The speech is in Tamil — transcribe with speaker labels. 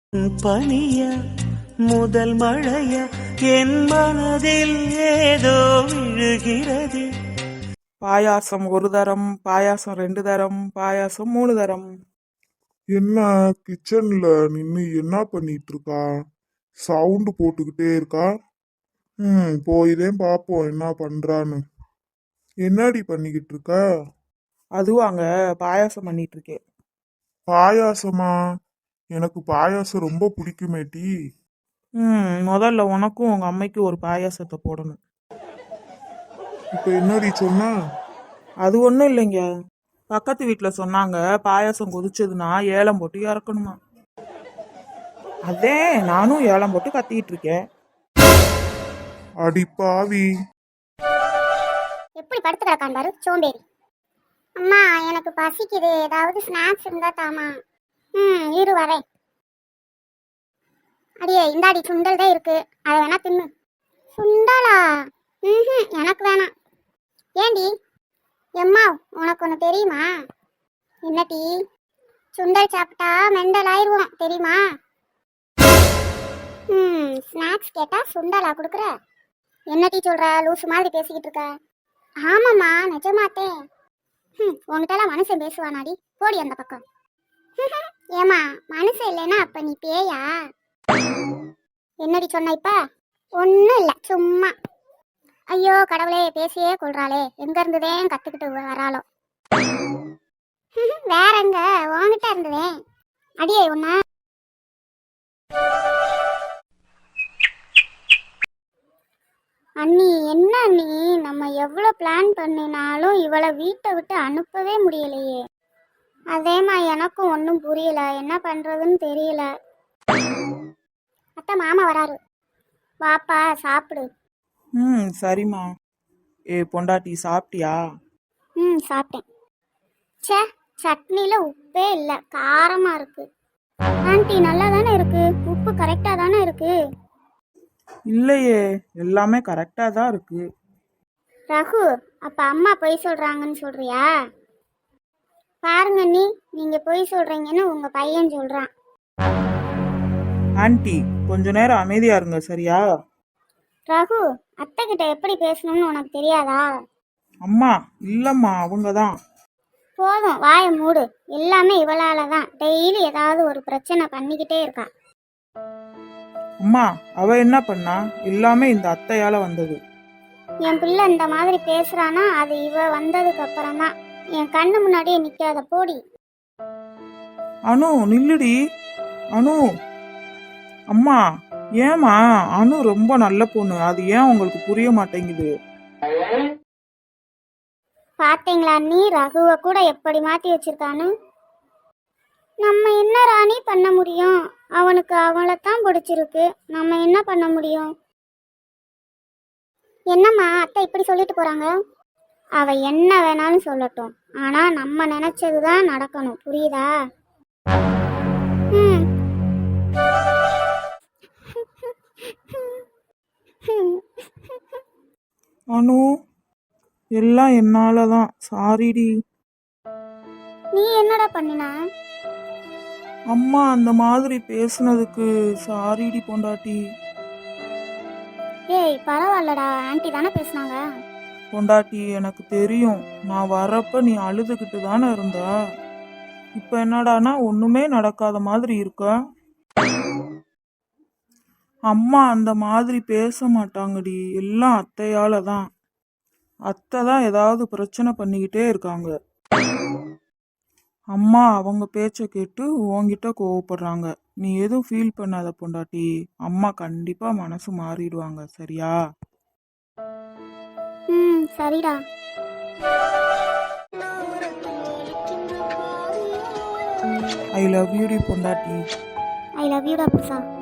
Speaker 1: பனிய முதல் மழைய என் மனதில் ஏதோ விழுகிறது.
Speaker 2: பாயாசம் ஒரு தரம், பாயாசம் 2 தரம், பாயாசம் 3 தரம்.
Speaker 3: என்ன கிச்சன்ல நின்னு என்ன பண்ணிட்டு இருக்கா? சவுண்டு போட்டுக்கிட்டே இருக்கா. போய்தான் பாப்போம் என்ன பண்றான்னு. என்னடி பண்ணிக்கிட்டு இருக்க?
Speaker 2: அதுவாங்க பாயாசம் பண்ணிட்டு இருக்கேன்.
Speaker 3: பாயாசமா? எனக்கு பாயாசம் ரொம்ப பிடிக்குமேட்டி.
Speaker 2: முதல்ல உனக்கும் உங்க அம்மைக்கும் ஒரு பாயாசத்தை போடணும்.
Speaker 3: இப்ப என்னடி சொன்ன?
Speaker 2: அது ஒன்றும் இல்லைங்க, பக்கத்து வீட்டில் சொன்னாங்க பாயாசம் கொதிச்சதுன்னா ஏலம் போட்டு இறக்கணுமா. அதே நானும் ஏலம் போட்டு கத்திக்கிட்டு இருக்கேன்.
Speaker 3: அடி பாவி.
Speaker 4: எப்படி படுத்து கிடக்கான் பாரு சோம்பேறி. அம்மா எனக்கு பசிக்குது, ஏதாவது ஸ்நாக்ஸ் இருந்தா தாமா. இரு வரேன். அடியே இந்தாடி சுண்டல் தான் இருக்கு, அதை வேணா தின்னு. சுண்டலா? எனக்கு வேணாம். ஏண்டி? எம்மா உனக்கு ஒன்று தெரியுமா? என்ன டீ? சுண்டல் சாப்பிட்டா மெண்டல் ஆயிடுவோம் தெரியுமா? ஸ்நாக்ஸ் கேட்டா சுண்டலா கொடுக்குற? என்ன டீ சொல்ற? லூசு மாதிரி பேசிக்கிட்டு இருக்க. ஆமாம்மா நிஜமாத்தே. உங்ககிட்டலாம் மனுஷன் பேசுவானாடி, போடி அந்த பக்கம். ஏமா மனுஷன் இல்லைன்னா அப்ப நீ பேயா? என்னடி சொன்ன இப்ப? ஒன்றும் இல்லை சும்மா. ஐயோ கடவுளே, பேசியே கொள்றாளே, எங்க இருந்ததேன் கத்துக்கிட்டு வராளோ. வேற எங்க உன்கிட்ட இருந்ததே. அடியே உன்ன அண்ணி. என்ன அண்ணி, நம்ம எவ்வளோ பிளான் பண்ணினாலும் இவளை வீட்டை விட்டு அனுப்பவே முடியலையே. அதேமா எனக்கும் ஒன்றும் புரியல, என்ன பண்ணுறதுன்னு தெரியல. அத்தை மாமா வராரு, வாப்பா சாப்பிடு.
Speaker 2: சரிம்மா. பொண்டாட்டி சாப்பிட்டியா?
Speaker 4: சாப்பிட்டேன். சே, சட்னியில் உப்பே இல்லை, காரமாக இருக்கு. ஆண்டி நல்லா தானே இருக்கு, உப்பு கரெக்டாக தானே இருக்கு.
Speaker 2: இல்லையே, எல்லாமே கரெக்டாக தான் இருக்கு.
Speaker 4: ரகு, அப்போ அம்மா பொய் சொல்கிறாங்கன்னு சொல்கிறியா? பாருங்க நீ, நீங்கள் பொய் சொல்கிறீங்கன்னு உங்கள் பையன் சொல்கிறான்.
Speaker 2: ஆன்ட்டி கொஞ்ச நேரம் அமைதியா இருங்க சரியா?
Speaker 4: ரகு, அத்தை கிட்ட எப்படி பேசணும்னு உனக்கு தெரியாதா?
Speaker 2: அம்மா இல்லம்மா, அவங்க தான்.
Speaker 4: போதும் வாயை மூடு, எல்லாமே இவளால தான். டெய்லி ஏதாவது ஒரு பிரச்சனை பண்ணிக்கிட்டே இருக்கா.
Speaker 2: அம்மா அவ என்ன பண்ணா? எல்லாமே இந்த அத்தையால வந்தது.
Speaker 4: என் பிள்ளை இந்த மாதிரி பேசுறானா அது இவ வந்ததுக்கு அப்புறம் தான். என் கண்ணு முன்னாடியே நிக்காத, போடி.
Speaker 2: அனு நில்லுடி. அனு. அம்மா ஏமா? அனு ரொம்ப நல்ல பொண்ணு, அது ஏன் உங்களுக்கு புரிய மாட்டேங்குது?
Speaker 4: பாத்தீங்களா நீ, ரகுவை கூட எப்படி மாத்தி வச்சிருக்கான்னு. நம்ம என்ன ராணி பண்ண முடியும்? அவனுக்கு அவளைத்தான் பிடிச்சிருக்கு, நம்ம என்ன பண்ண முடியும்? என்னம்மா அத்தை இப்படி சொல்லிட்டு போறாங்க? அவ என்ன வேணாலும் சொல்லட்டும், ஆனா நம்ம நினைச்சதுதான் நடக்கணும், புரியுதா?
Speaker 2: அனு எல்லாம் என்னாலதான், சாரிடி.
Speaker 4: நீ என்னடா பண்ணின?
Speaker 2: அம்மா அந்த மாதிரி பேசுனதுக்கு சாரிடி பொண்டாட்டி.
Speaker 4: ஏய் பரவாயில்லடா, ஆன்ட்டி தானே பேசுனாங்க.
Speaker 2: பொண்டாட்டி எனக்கு தெரியும், நான் வரப்ப நீ அழுதுகிட்டு தானே இருந்த. இப்ப என்னடானா ஒண்ணுமே நடக்காத மாதிரி இருக்க. அம்மா அந்த மாதிரி பேச மாட்டாங்கடி, எல்லாம் அத்தையால தான். அத்தை தான் ஏதாவது பிரச்சனை பண்ணிக்கிட்டே இருக்காங்க. அம்மா அவங்க பேச்சை கேட்டு உன்கிட்ட கோவப்படுறாங்க. நீ எதுவும் ஃபீல் பண்ணாத பொண்டாட்டி, அம்மா கண்டிப்பா மனசு மாறிடுவாங்க சரியா?
Speaker 4: சரிடா.
Speaker 2: ஐ லவ் யூ டி பொண்டாட்டி.
Speaker 4: ஐ லவ் யூடா புருஷா.